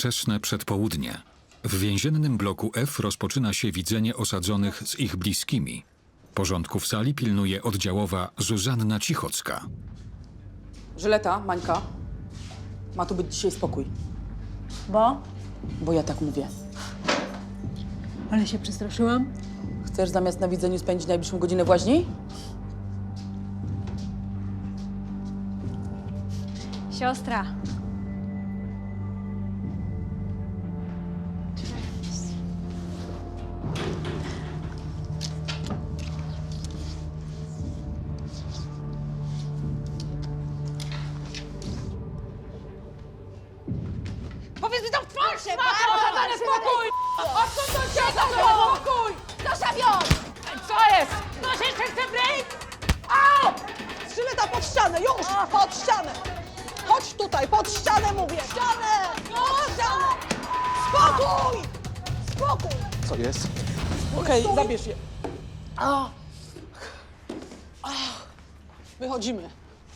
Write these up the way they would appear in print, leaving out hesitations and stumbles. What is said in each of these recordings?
Wczesne przedpołudnie. W więziennym bloku F rozpoczyna się widzenie osadzonych z ich bliskimi. Porządku w sali pilnuje oddziałowa Zuzanna Cichocka. Żyleta, Mańka, ma tu być dzisiaj spokój. Bo? Bo ja tak mówię. Ale się przestraszyłam. Chcesz zamiast na widzeniu spędzić najbliższą godzinę w łaźni? Siostra. Powiedz mi to w twarz! Daj spokój! Odsuń się! Spokój! Proszę wiód! Co jest? Ktoś jeszcze chce break? Au! Żyleta pod ścianę, już! Pod ścianę! Chodź tutaj, pod ścianę mówię! Ścianę! Pod ścianę! Spokój! Spokój! Co jest? Okej, zabierz je. Wychodzimy.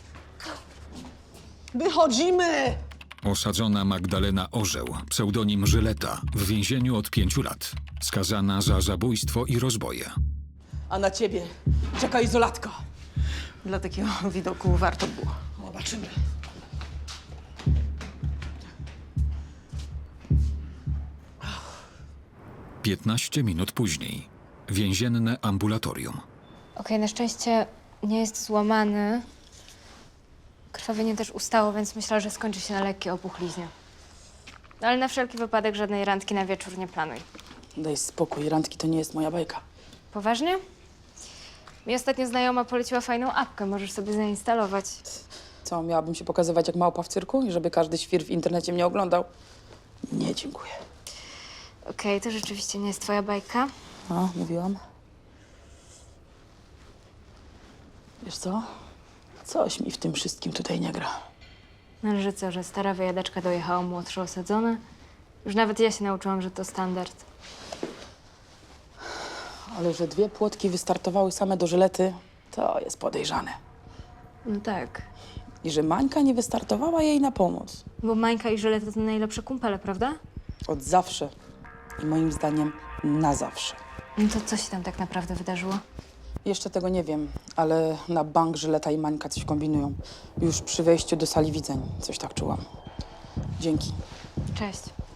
Wychodzimy! Osadzona Magdalena Orzeł, pseudonim Żyleta, w więzieniu od 5 lat. Skazana za zabójstwo i rozboje. A na ciebie czeka izolatka. Dla takiego widoku warto było. Zobaczymy. Piętnaście minut później. Więzienne ambulatorium. Okej, na szczęście nie jest złamany. Krwawienie też ustało, więc myślę, że skończy się na lekkiej opuchliznie. No, ale na wszelki wypadek żadnej randki na wieczór nie planuj. Daj spokój, randki to nie jest moja bajka. Poważnie? Mi ostatnio znajoma poleciła fajną apkę, możesz sobie zainstalować. Co, miałabym się pokazywać jak małpa w cyrku i żeby każdy świr w internecie mnie oglądał? Nie, dziękuję. Okej, to rzeczywiście nie jest twoja bajka. A, mówiłam. Wiesz co? Coś mi w tym wszystkim tutaj nie gra. No, że co, że stara wyjadaczka dojechała młodsze osadzone? Już nawet ja się nauczyłam, że to standard. Ale że 2 płotki wystartowały same do Żylety, to jest podejrzane. No tak, I że Mańka nie wystartowała jej na pomoc. bo Mańka i Żyleta to najlepsze kumpele, prawda? Od zawsze. I moim zdaniem na zawsze. No to co się tam tak naprawdę wydarzyło? Jeszcze tego nie wiem, ale na bank Żyleta i Mańka coś kombinują. Już przy wejściu do sali widzeń coś tak czułam. Dzięki. Cześć.